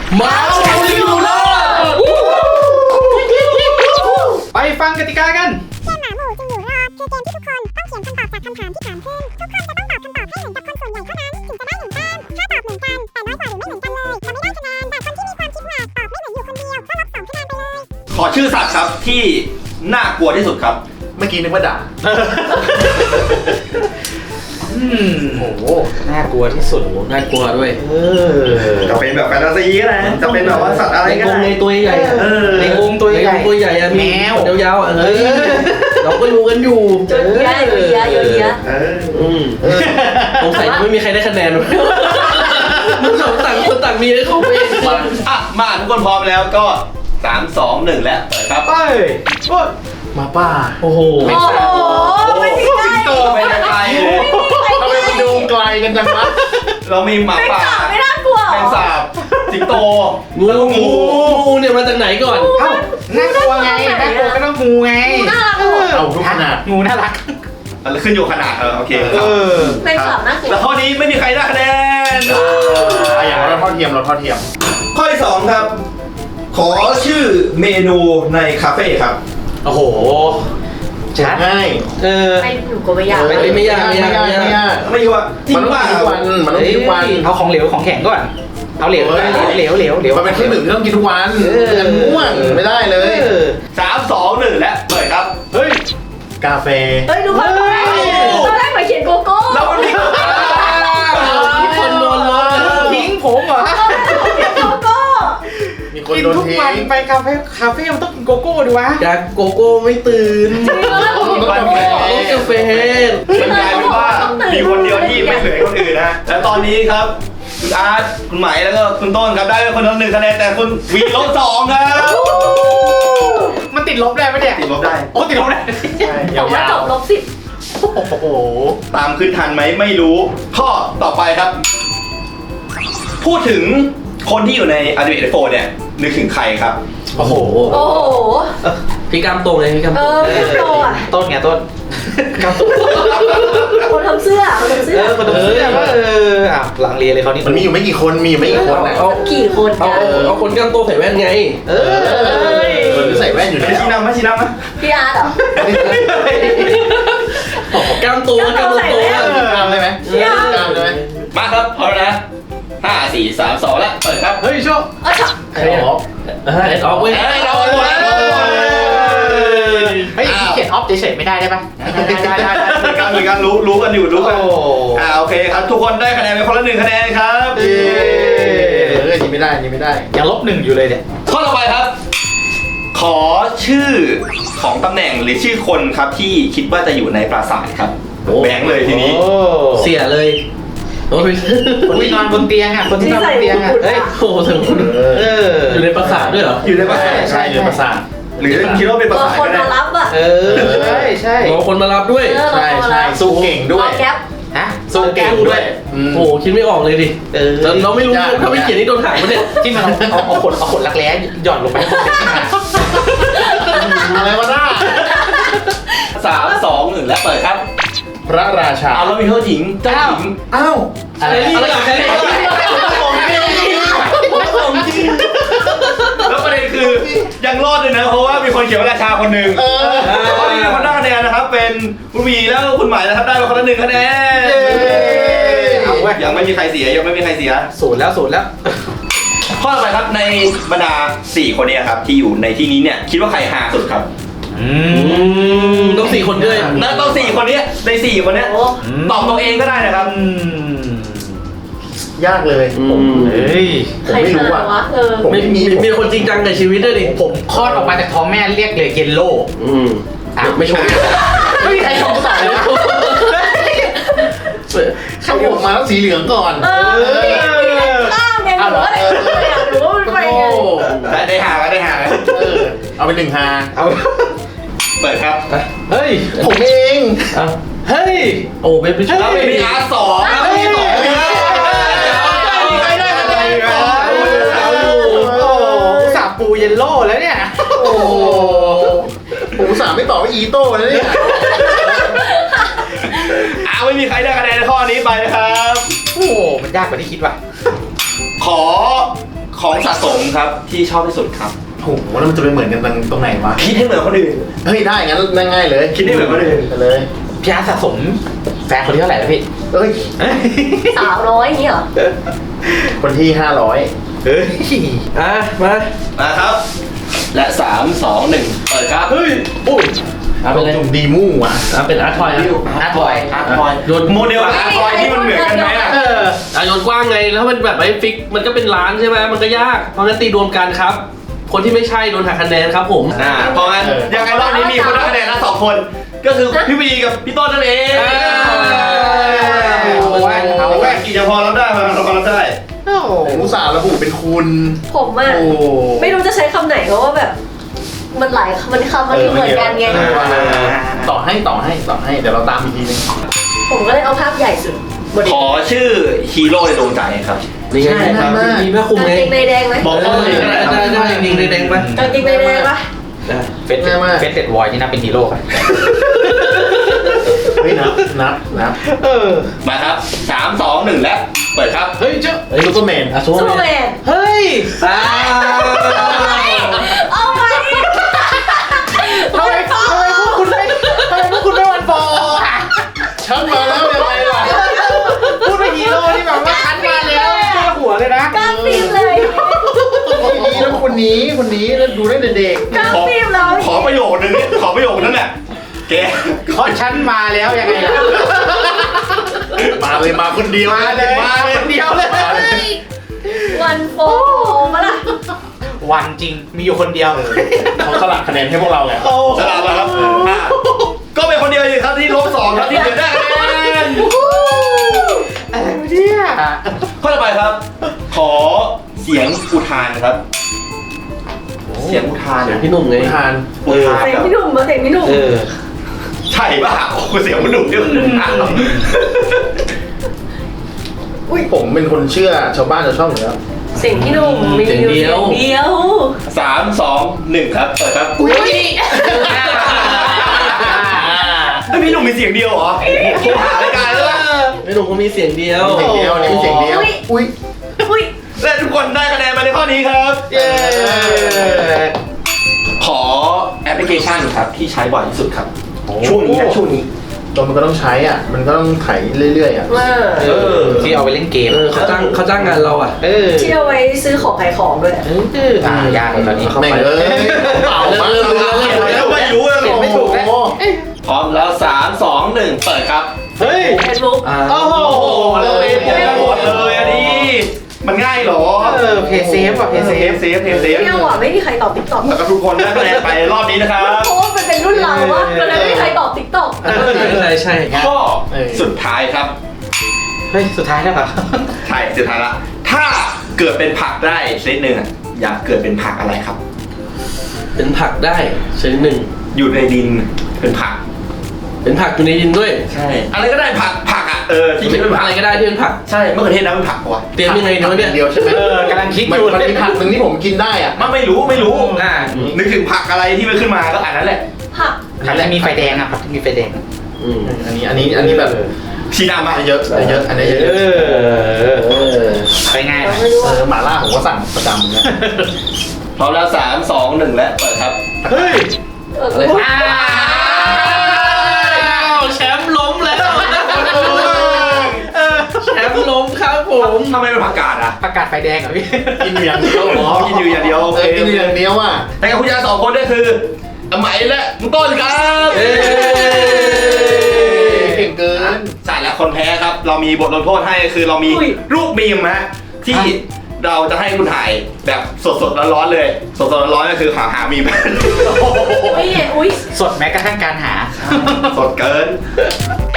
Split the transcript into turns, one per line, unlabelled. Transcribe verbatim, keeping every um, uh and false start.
มาเอาอยู่รอดไปฟังกติกากัน
เกมหมาหมู่จึงอยู่รอดคือเกมที่ทุกคนต้องเขียนคำตอบจากคำถามที่ถามขึ้นทุกคนจะต้องตอบคำตอบให้เหมือนกับคนส่วนใหญ่เท่านั้นถึงจะได้หนึ่งแต้มถ้าตอบเหมือนกันแต่น้อยกว่าหรือไม่เหมือนกันเลยจะไม่ได้คะแนนแต่คนที่มีความคิดหวาดตอบไม่เหมือนอยู่คนเดียวก็ลบสองคะแนนไปเลย
ขอชื่อสัตว์ครับที่น่ากลัวที่สุดครับ
เมื่อกี้นึกว่าด่า
อืมโอ้โหน่ากลัวที่สุด
น่ากลัวด้วย
เออ
จะเป็นแบบแฟนตาซีก็ได้จะเป็นแบบว่าสัตว์อะไรก็ได้
ในตัวใหญ่
เออ
ในวงตัวใหญ่
ตัวใหญ่มีแมวยาวๆเฮ้ยเราก็รู้กันอยู่
เยอะเยอะเยอะเยอะเยอะ
อืมสงสัยไม่มีใครได้คะแนนมันสองต่างคนต่างมีให้เขาเอง
อ่ะมาทุกคนพร้อมแล้วก็สามสองหนึ่งแล้วครับ
ไปโอ้
มาป้า
โอ้โห
โอ้โหไม่มีใคร
โตไปไกลเลย
ทำไมมันดูไกลกันจังวะ
เรามีหมาป่า
ไม่น่ากลัว
แมงสาบสิงโต
งูงูงูเนี่ยมาจากไหนก่อน
เอ้าน่ากลัวไงน่ากลัวก็ต้องงูไง
น่ารัก
เอาทุกขนาด
งูน่ารัก
ขึ้นอยู่ขนาดเออโอเคครับ
เป็นสามน่ากลัว
แล้วข้อนี้ไม่มีใครได้คะแนน
อย่างเราเท่าเทียมเราเท่าเทียม
ข้อที่สองครับขอชื่อเมนูในคาเฟ่ครับ
โอ้โห
ชัดง่าย
เออ
ไม่หนูก็ไม่ยาก
ไม่ไม่ยากไม่ยากไม่ยาก
ไม่ยาก
มันต้องกินทุกวันมันต้องกินทุกวัน
เอาของเหลวของแข็งก่อนเอาเหลวเหลวเหลวเหลวเหลว
มันเป็นเครื่องดื่มที่ต้องกินทุกวันมันง่วงไม่ได้เลย
สามสองหนึ่งแล้วเปิดครับ
เฮ้ยกาแฟ
เฮ้ยทุกคนตอนแรกตอนแรกมาเขียนโกโก้
แล้วมันมี
คนโดนล้อ
ทิ้งผมเหรอ
โกโก้
มีคนโดนทิ้ง
ทุกวันไปคาเฟ่คาเฟ่มันต้องกินโกโก้ดิวะ
อยากโกโก้ไม่ตื่น
ต้องกาแฟ
ต้องกาแฟ
มันกลายเป็นว่ามีคนเดียวที่ไม่เหมือนคนอื่นนะและตอนนี้ครับคุณอาร์ตคุณไหมแล้วก็คุณต้นครับได้คนละหนึ่งคะแนนแต่คุณวีลบสองครับ
มันติดลบได้ไหมเนี่ย
ติดลบได้
โอ้ติดลบได้
บอกว่าจบลบสิบ
โอ้โหตามขึ้นทันไหมไม่รู้ข้อต่อไปครับ พูดถึงคนที่อยู่ใน Ultimate เอฟ โฟร์ เนี่ยนึกถึงใครครับ
โอ้โห
โอ้โห
พี่กำตรงเลยพี่กำ
เออพี่กำตรงอ่ะ
ต้นไงต้นกำตรง
คนทำเสื้อคนทำเสื้อ
คนทำเสื้อว่าเอออ่ะหลังเรียนเลยเขานี่
มันมีอยู่ไม่กี่คนมีอยู่ไม่กี่คนนะ
กี่คน
เอาเอาคนกำตรงใส่แว่นไง
เออ
คนที่ใส่แว่นอยู่เนี่ย
ชี้นำไหมชี้นำไหม
พี่อาร์ตเหร
อกำตัวกำตัว
กำได้ไหมกำได้ไหม
มาครับพร้อมนะห้าสี่สามสองแล้วเปิดครับ
เฮ้ยโชค
เออ
ใครออก
เออออกเว้ย
เราหมดแล้ว
เฮ้ยเขียนออฟเฉยๆไม่ได้ได้ปะได้ได้ได้ได้
เหมือนกันเหมือนกันรู้รู้กันอยู่รู้กันอ่าโอเคครับทุกคนได้คะแนนไปคนละหนึ่งคะแนนครับ
เออยิงไม่ได้ยิงไม่ได้
ยังลบหนึ่งอยู่เลยเนี่ย
ข้อต่อไปครับขอชื่อของตำแหน่งหรือชื่อคนครับที่คิดว่าจะอยู่ในปราสาทครับแบงค์เลยทีนี้
เสียเลย
คนที่นอนบนเตียงอ่ะคนที่นอนบนเตียงอ่ะ
เฮ้ยโอ้โหถึงคุณเอออยู่ในปราสาทด้วยเหรอ
อยู่ในปราสาท
ใช่อยู่ในปราสาท
หรือคิดว่าเป็นปราสาท
คนมารับอ่ะ
เออใช่ใช่
รอคนมารับด้วย
ใช่ใช่สู้เก่งด้วย
แก๊ป
ฮะ
สู้เก่งด้วย
โอ้โหคิดไม่ออกเลยดิเออเราไม่รู้ถ้าไม่เขียนนี่โดนหักมันเนี่ย
ที่มันเอาเอาขนเอาขนรักแร้หย่อนลงไป
อะไรวะน้า
สามสองหนึ่งแล้วเปิดครับ
พระราชา
เอาแล้วมีเจ้าหญิงเจ้าหญิง
อ้าว
อะไรอะไรอะไรของจริงแล้วประเด็นคือยังรอดเลยนะเพราะว่ามีคนเขียนว่าราชาคนหนึ่งข้อนี้คนได้คะแนนนะครับเป็นคุณวีแล้วคุณหมายนะครับได้มาคนละหนึ่งคะแนนยังไม่มีใครเสียยังไม่มีใครเสีย
ศูนย์แล้วศูนย์แล้ว
ข้อต่อไปครับในบรรดาสี่คนนี้ครับที่อยู่ในที่นี้เนี่ยคิดว่าใครฮาสุดครับ
ต้องสี่คนด้วย
นะต้องสี่คนนี้ในสี่คนนี้ตอบตัวเองก็ได้นะครับ
ยากเลย
ผมเฮ้ยผมไม่รู้อ่ะ
ผมไม่มีมีคนจริงจังในชีวิตด้วยดิ
ผมคลอดออกมาจากท้องแม่เรียกเลยเยลโล่
อืม
อ่ะไม่ชมไม่มีใครชมต่อเลยนะ
เขาออกมาแล้วสีเหลืองก่อน
เออข้ามไงหนูอะไรหนูว่ามันไปไง
ได้หาได้หา
เอาไปหนึ่งฮา
เอาเปิดครับ
เฮ้ย
ผมเอง
เฮ้ย
โอ้เป็นพิชา
เป็นพีอาร์สองครับพีสอง
ใครได้อะไรสาปูเยลโล่แล้วเนี่ย
โอ้ผมสามไม่ตอบว่าอีโต้แล้วเนี่ย
อ้าวไม่มีใครได้คะแนนในข้อนี้ไปนะครับ
โอ้มันยากกว่าที่คิดว่ะ
ขอของสะสมครับที่ชอบที่สุดครับ
โอ้โหแล้วมันจะไปเหมือนกันตรงตรงไหนวะ
คิดให้เหมือนคนอื่น
เฮ้ยได้งั้นง่ายๆเลย
คิดได้เหมือนคนอื่น
ไปเลย
พี่อาร์ตสะสมแฟนคนที่เท่าไหร่แล้วพี่
เอ้ย
สาวน้อยอย่างนี้เหรอ
คนที่ห้าร้อย
เฮ้ย
อ่ะมา
มาครับ และสามสองหนึ่งเปิดครับ
เฮ้ย
อุ้ย
เอาไปเลย
จุ่มดีมู่อ่ะ
อ่ะเป็นอาร์ตทอยอ่ะ
อาร์ตบอยอาร์ตบอย
โยน
โมเดลกับอาร์ตทอยที่มันเหมือนกันไหมอ่ะ
เอออ่ะโยนกว้างไงแล้วมันแบบไม่ฟิกมันก็เป็นล้านใช่ไหมมันก็ยากเพราะงั้นตีรวมกันครับ คนที่ไม่ใช่โดนหักคะแนนครับผม
อ่าเพราะงั้นยังไงรอบนี้มีคนได้คะแนนละสองคน ก็คือพี่วีกับพี่ต้นนั่นเอง
อ่า
เอาแว่นเอาแว่นกี่จะพอรับได้มาเราพอรับได้
ผมอุตส่าห์ระบุเป็นคุณ
ผมอ่ะ
โอ้
ไม่รู้จะใช้คำไหนเพราะว่าแบบ มันหลายมันคำมันเหมือนกันไง
เออต่อให้ต่อให้ต่อให้เดี๋ยวเราตามอีกทีนึง
ผมก็เลยเอาภาพใหญ่สุดบน
ขอชื่อฮีโร่ในดวงใจครับ
นี่ไง
ใช่
ครับ
มาก
มีแม่คุม
กาง
ไง
เกงในแดงไหม
บอก
ได้
เขาเลย
ได้ได้ได้ยิงแดงๆไป
กางเกงในแดงปะ
ได้
เฟสเฟสเต็ดวอยนี่นับเป็นฮีโร่ครับ
เฮ้ยนับนับนับ
เออ
มาครับสามสองหนึ่งแล้วเปิดครับ
เฮ้ยเจ้า
เฮ้ยลูกก็แมน
อ่ะซู
ซู
เปอ
เปอ
ร์
ร์
แม
แม
น
น
เฮ้ยอ่า
เอาไป
ทำไมทำไมพวกคุณไม่ทำไมพวกคุณไม่วันฟอร์อ่ะ
ชักมาแล้วยังไงล่ะ
พูดไปฮีโร่ที่แบบว่าคันมาแล้วเจ้าหัวเลยนะ
กล้ามปีบเลย
คนนี้แล้วคนนี้คนนี้แล้วดูได้แต่เด็ก
กล้ามปีบเลย
ขอประโยคนึงนี่ขอประโยคนั้นแหละแก
เพราะฉันมาแล้วยังไงล่ะ
มาเลยมาคนเดียว
มาเลย
มาเลย
คนเดียวเลย
มาเลย
วันโฟมาละ
วันจริงมีอยู่คนเดียว
เขาสลับคะแนนให้พวกเราไง
สลับมาครับอ่ะก็เป็นคนเดียวเองครับที่ลบสองครับที่เหลือได้คะแนน
อะไรวะเนี่ย
ข้อต่อไปครับ ขอเสียงอุทานครับ เสียงอุทาน
เสียง
นะ
พี่หนุ่มไง
ทาน
อุทาน
เสียง
แบบ
พี่หนุ่มมาเสียงพี่หนุ่ม
เออ
ใช่ป่ะโอ้โหเสียงมันหนุ่มที่มันอุทานเหรอ
ผมเป็นคนเชื่อชาวบ้านชาวช่องอยู่แล้ว
เสียงพี่หนุ่มมีอยู่เสียงเดียว
สามสองหนึ่งครับเปิดครับ
อุ้ย
เฮ้ยพี่หนุ่มมีเสียงเดียวเหรอโทรหารายการแล้วล่ะ
พี่หนุ่มเขามีเสียงเดียว
เสียงเดียวนี่เสียงเดียว อุ้ย
อุ้ย
และทุกคนได้คะแนนมาในข้อนี้ครับ
เย้
ขอแอปพลิเคชันครับที่ใช้บ่อยที่สุดครับ ช่วงนี้นะช่วงนี้
ตัวมันก็ต้องใช้อ่ะ มันก็ต้องไถเรื่อยๆอ่ะ
มา
เออ
ที่เอาไปเล่นเกม
เออเขาจ้างเขาจ้างงานเราอ่ะ
เออ
ที่เอาไว้ซื้อของขายของด้วย
เออ
อ่ายากเลยตอนนี้
แม่งเอ้ยเปล่ามาก
เริ่มเริ่มเริ่ม
แล้วไม่รู้เลย
เขียนไม่ถูกแล้ว
พร้อมแล้วสามสองหนึ่งเปิดครับ
เฮ้ย
เฟซบุ๊ก
อ่า
โอ้โหเราเล่นกันหมดเลยอันนี้มันง่ายเหรอ
เออเพย์เซฟอ่ะเพย์เซ
เซ
ฟ
ฟเซฟเซฟเซฟ
ไม่เอาอ่ะไม่มีใครตอบติ๊กต็อก
แล้วก็ทุกคนได้คะแนนไปรอบนี้นะครับ
เพราะว่ามันเป็นรุ่นเราวะมันเลยไม่มีใครตอบติ๊กต็อก
ใช่ใช่
ข้อสุดท้ายครับ
เฮ้ยสุดท้ายแล้วเหรอ
ใช่สุดท้ายละถ้าเกิดเป็นผักได้ชนิดหนึ่งอะอยากเกิดเป็นผักอะไรครับ
เป็นผักได้ชนิดหนึ่ง
อยู่ในดินเป็นผัก
เป็นผักอยู่ในดินด้วย
ใช่อะไรก็ได้ผักผักอ่ะเออที่คิดเป็นผัก
อะไรก็ได้ที่เป็นผัก
ใช่มะเขือเทศนะเป็นผักปะวะ
เตรียมยังไงเนาะเนี่ย
เดียวใช่ไหม
เออกำลังคิด
มัน
อยู่
มันมีผักหนึ่งที่ผมกินได้อ่ะ
มันไม่รู้ไม่รู้
อ่า
นึกถึงผักอะไรที่มันขึ้นมาก็อันนั้นแหละ
ผัก
ผักแล้วมีไฟแดงอ่ะผักที่มีไฟแดง
อืม
อันนี้อันนี้อันนี้แบบ
ชีดามา
เยอะเยอะอันนี้เยอะ
เออ
เออ
ไปง่าย
เรา
นะ
ไม่รู้
เอ
ว่า
อหม่าล่าผมก็สั่งประจำนะ
พร้อมแล้วสามสองหนึ่งและเปิดครับ
เฮ้ย
อะไร
อ้าว
แชมป์ล้มแล้วแชมป์ล้มครับผม
ทำไมเป็นผักกาดอ่ะ
ประกาศไฟแดงเหรอพี่
กินอยู่อย่างเดียว
อ๋อกินอยู่อย่างเดียวโอ
เอ
เค
อกินอยู่อย่างเดียวอ่ะ
แต่กับคุณยายสองคนก็คืออไหมและมุต้นครับ
เอ้ย
เก่งเกิน
ใช่แล้วคนแพ้ครับ เรามีบทลงโทษให้คือเรามีรูปมีมฮะที่เราจะให้คุณถ่ายแบบสดๆร้อนๆเลย สดๆร้อนๆก็คือหาหามีม
อุ้ยอุ้ย
สดแม้กระทั่งการหา
สดเกิน